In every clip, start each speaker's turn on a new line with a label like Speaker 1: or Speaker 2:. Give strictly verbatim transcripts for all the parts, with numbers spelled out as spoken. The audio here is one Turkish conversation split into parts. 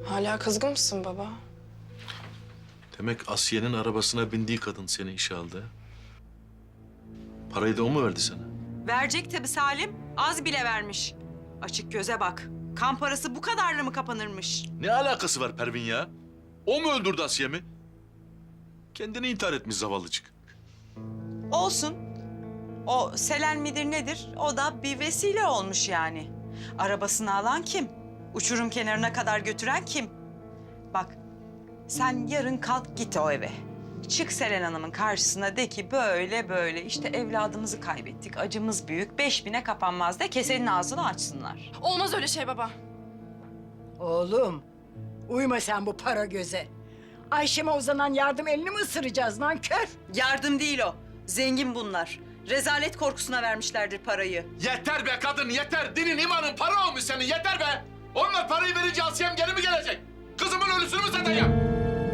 Speaker 1: Hala kızgın mısın baba?
Speaker 2: Demek Asiye'nin arabasına bindiği kadın seni işe aldı. Parayı da o mu verdi sana?
Speaker 3: Verecek tabii Salim. Az bile vermiş. Açık göze bak. Kan parası bu kadarla mı kapanırmış?
Speaker 2: Ne alakası var Pervin ya? O mu öldürdü Asiye'mi? Kendini intihar etmiş zavallıcık.
Speaker 3: Olsun. O Selen midir nedir? O da bir vesile olmuş yani. Arabasını alan kim? Uçurum kenarına kadar götüren kim? Bak, sen yarın kalk git o eve. Çık Selen Hanım'ın karşısına de ki böyle böyle işte evladımızı kaybettik, acımız büyük, beş bine kapanmaz de kesenin ağzını açsınlar.
Speaker 1: Olmaz öyle şey baba.
Speaker 4: Oğlum, uyma sen bu para göze. Ayşem'e uzanan yardım elini mi ısıracağız lan kör?
Speaker 3: Yardım değil o, zengin bunlar. Rezalet korkusuna vermişlerdir parayı.
Speaker 2: Yeter be kadın yeter. Dinin imanın para olmuş senin yeter be. Onlar parayı verince Asiye'm geri mi gelecek? Kızımın ölüsünü mü satacağım?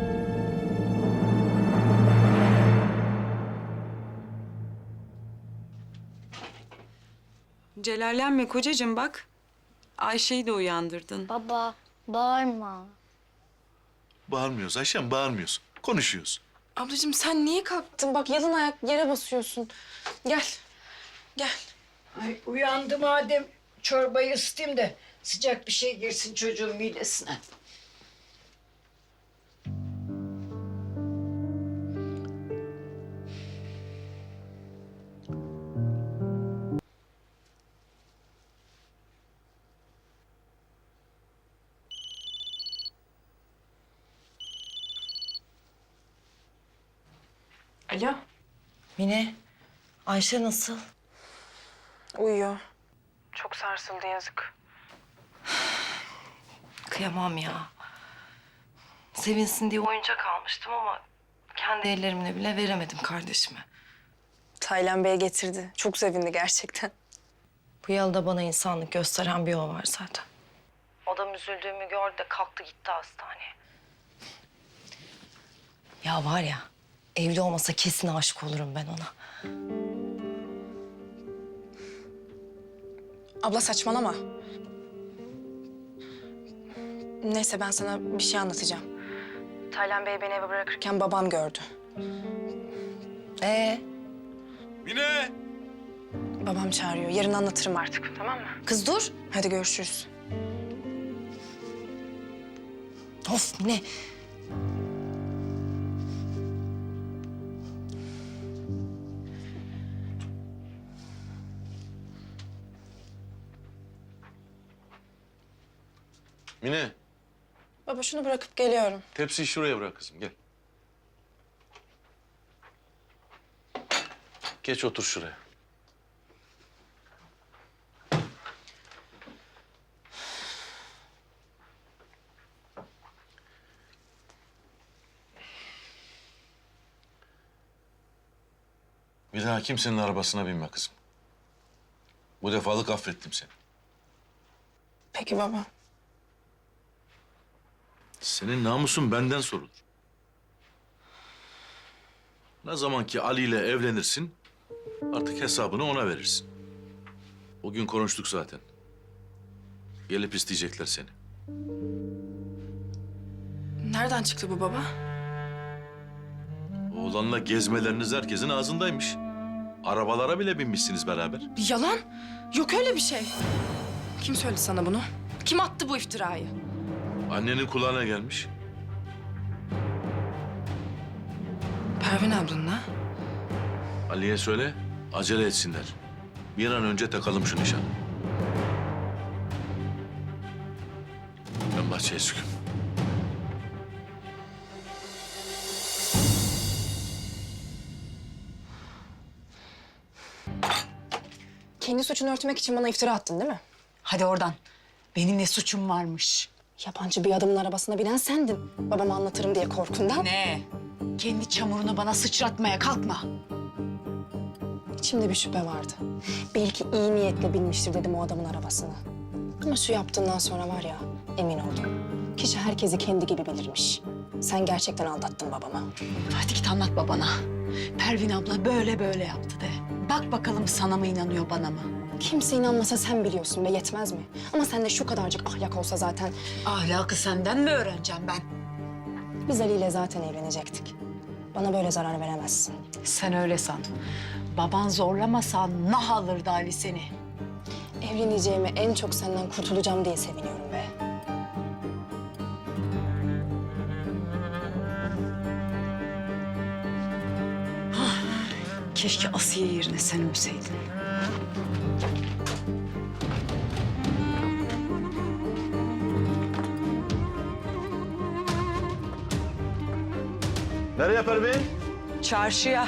Speaker 3: Celallenme kocacığım bak. Ayşe'yi de uyandırdın.
Speaker 5: Baba, bağırma.
Speaker 2: Bağırmıyoruz Ayşem bağırmıyoruz. Konuşuyoruz.
Speaker 1: Ablacığım sen niye kalktın? Bak yalın ayak yere basıyorsun. Gel. Gel.
Speaker 4: Ay uyandı madem çorbayı ısıtayım da sıcak bir şey girsin çocuğun midesine.
Speaker 1: Alo.
Speaker 6: Mine, Ayşe nasıl?
Speaker 1: Uyuyor. Çok sarsıldı yazık.
Speaker 6: Kıyamam ya. Sevinsin diye oyuncak almıştım ama kendi ellerimle bile veremedim kardeşime.
Speaker 1: Taylan Bey getirdi. Çok sevindi gerçekten.
Speaker 6: Bu yılda bana insanlık gösteren bir o var zaten. Adam üzüldüğümü gördü de kalktı gitti hastaneye. Ya var ya, evli olmasa kesin aşık olurum ben ona.
Speaker 1: Abla saçmalama. Neyse ben sana bir şey anlatacağım. Taylan Bey beni eve bırakırken babam gördü.
Speaker 6: Ee,
Speaker 2: Mine!
Speaker 1: Babam çağırıyor. Yarın anlatırım artık. Tamam mı?
Speaker 6: kız dur.
Speaker 1: Hadi görüşürüz.
Speaker 6: Of Mine.
Speaker 2: Mine
Speaker 1: Baba şunu bırakıp geliyorum.
Speaker 2: tepsiyi şuraya bırak kızım gel. Geç otur şuraya. Bir daha kimsenin arabasına binme kızım. Bu defalık affettim seni.
Speaker 1: Peki baba.
Speaker 2: Senin namusun benden sorulur. Ne zaman ki Ali ile evlenirsin, artık hesabını ona verirsin. O gün konuştuk zaten. Gelip isteyecekler seni.
Speaker 1: Nereden çıktı bu baba?
Speaker 2: Oğlanla gezmeleriniz herkesin ağzındaymış. Arabalara bile binmişsiniz beraber.
Speaker 1: Yalan. Yok öyle bir şey. Kim söyledi sana bunu? Kim attı bu iftirayı?
Speaker 2: Annenin kulağına gelmiş.
Speaker 1: Pervin ablanla.
Speaker 2: Ali'ye söyle, acele etsinler. Bir an önce takalım şu nişanı. Ben bahçeye çıkıyorum.
Speaker 1: Kendi suçunu örtmek için bana iftira attın değil mi?
Speaker 4: Hadi oradan. Benim ne suçum varmış?
Speaker 1: Yabancı bir adamın arabasına binen sendin. Babama anlatırım diye korkundan.
Speaker 4: Ne? Kendi çamurunu bana sıçratmaya kalkma.
Speaker 1: İçimde bir şüphe vardı. Belki iyi niyetle binmiştir dedim o adamın arabasına. Ama şu yaptığından sonra var ya, emin oldum. Kişi herkesi kendi gibi bilirmiş. Sen gerçekten aldattın babama.
Speaker 4: Hadi git anlat babana. Pervin abla böyle böyle yaptı de. Bak bakalım sana mı inanıyor bana mı?
Speaker 1: Kimse inanmasa sen biliyorsun be, yetmez mi? Ama sende şu kadarcık ahlak olsa zaten
Speaker 4: Ahlakı senden mi öğreneceğim ben?
Speaker 1: biz Ali ile zaten evlenecektik. Bana böyle zarar veremezsin.
Speaker 4: Sen öyle san. Baban zorlamasa nah alırdı Ali seni.
Speaker 1: Evleneceğime en çok senden kurtulacağım diye seviniyorum be.
Speaker 3: Keşke Asiye yerine sen ölseydin.
Speaker 2: Nereye Pervin?
Speaker 3: Çarşıya.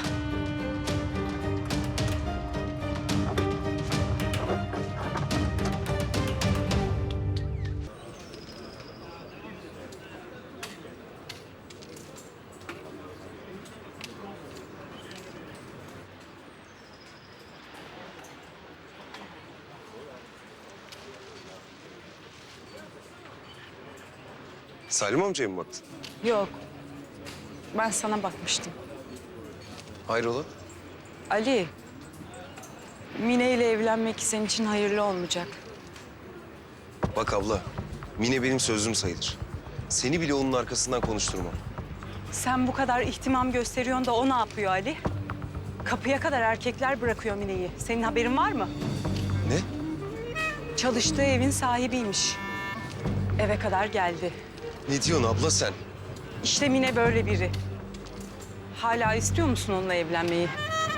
Speaker 7: Salim amcaya mı baktın?
Speaker 3: Yok. Ben sana bakmıştım.
Speaker 7: Hayrola?
Speaker 3: Ali, Mine ile evlenmek senin için hayırlı olmayacak.
Speaker 7: Bak abla, Mine benim sözüm sayılır. Seni bile onun arkasından konuşturmam.
Speaker 3: Sen bu kadar ihtimam gösteriyorsun da o ne yapıyor Ali? Kapıya kadar erkekler bırakıyor Mine'yi. Senin haberin var mı?
Speaker 7: Ne?
Speaker 3: Çalıştığı evin sahibiymiş. Eve kadar geldi.
Speaker 7: Ne diyorsun abla sen?
Speaker 3: İşte Mine böyle biri. Hala istiyor musun onunla evlenmeyi?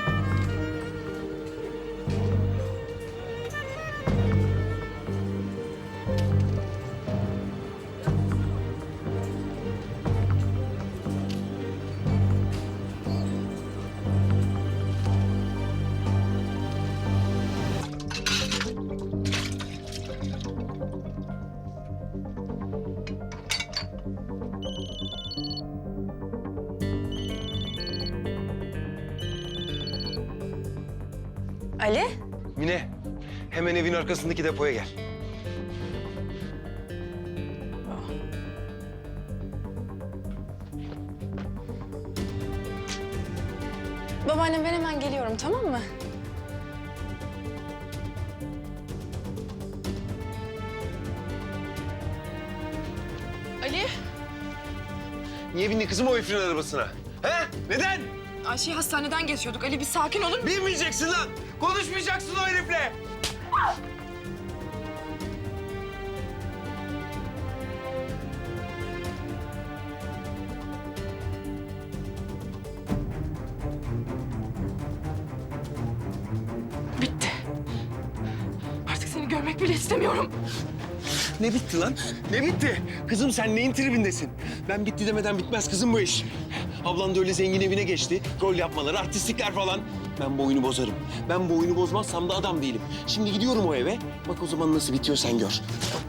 Speaker 1: Ali?
Speaker 7: Mine, hemen evin arkasındaki depoya gel.
Speaker 1: Babaannem, ben hemen geliyorum, tamam mı? Ali,
Speaker 7: Niye bindi kızım o herifin arabasına? He? Neden?
Speaker 1: Ayşe'yi hastaneden geçiyorduk. Ali bir sakin olur musun?
Speaker 7: Binmeyeceksin lan! Konuşmayacaksın o herifle!
Speaker 1: Bitti. Artık seni görmek bile istemiyorum.
Speaker 7: Ne bitti lan? Ne bitti? Kızım sen neyin tribindesin? Ben bitti demeden bitmez kızım bu iş. Ablan da öyle zengin evine geçti. Rol yapmaları, artistlikler falan. Ben bu oyunu bozarım. Ben bu oyunu bozmazsam da adam değilim. Şimdi gidiyorum o eve. Bak o zaman nasıl bitiyor sen gör.